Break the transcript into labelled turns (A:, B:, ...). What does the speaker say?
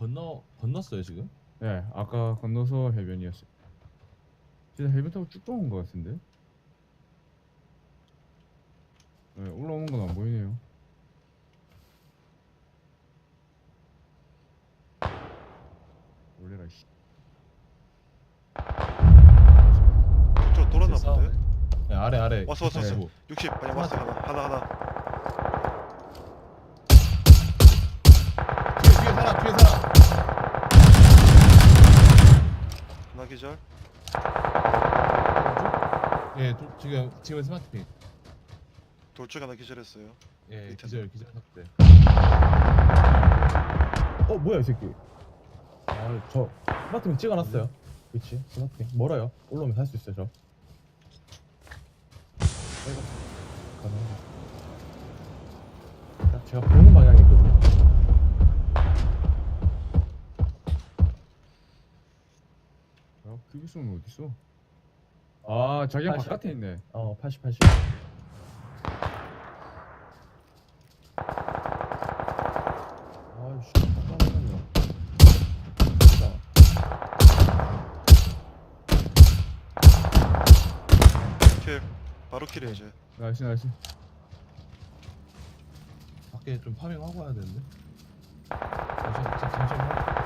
A: 건넜어요 지금?
B: 네, 아까 건너서 해변이었어요. 진짜 해변 타고 쭉 들어온 것 같은데? 네, 올라오는 건 안 보이네요. 놀래라 씨.
C: 저 돌았나
A: 싸우네.
C: 본데?
A: 네, 아래
C: 왔어.
A: 185.
C: 60 방향 왔어. 하나.
A: 뒤에 사람
C: 하나 기절.
A: 예, 지금 스마트핑.
C: 돌쪽 하나 기절했어요.
A: 예,
C: 밑에.
A: 기절 삭제.
D: 뭐야 이 새끼. 저 스마트핑 찍어놨어요. 그치 스마트핑 멀어요. 올라오면 살 수 있어요 저. 가능하죠. 딱 제가 보는 방향이 있거든요.
B: 그 기수는 어딨어? 아, 자기가
D: 80.
B: 바깥에 있네.
D: 80 80. 아이씨 잠깐만요.
C: 킬. 바로 킬이야 이제.
B: 나이스.
A: 밖에 좀 파밍하고 와야 되는데. 잠시만요.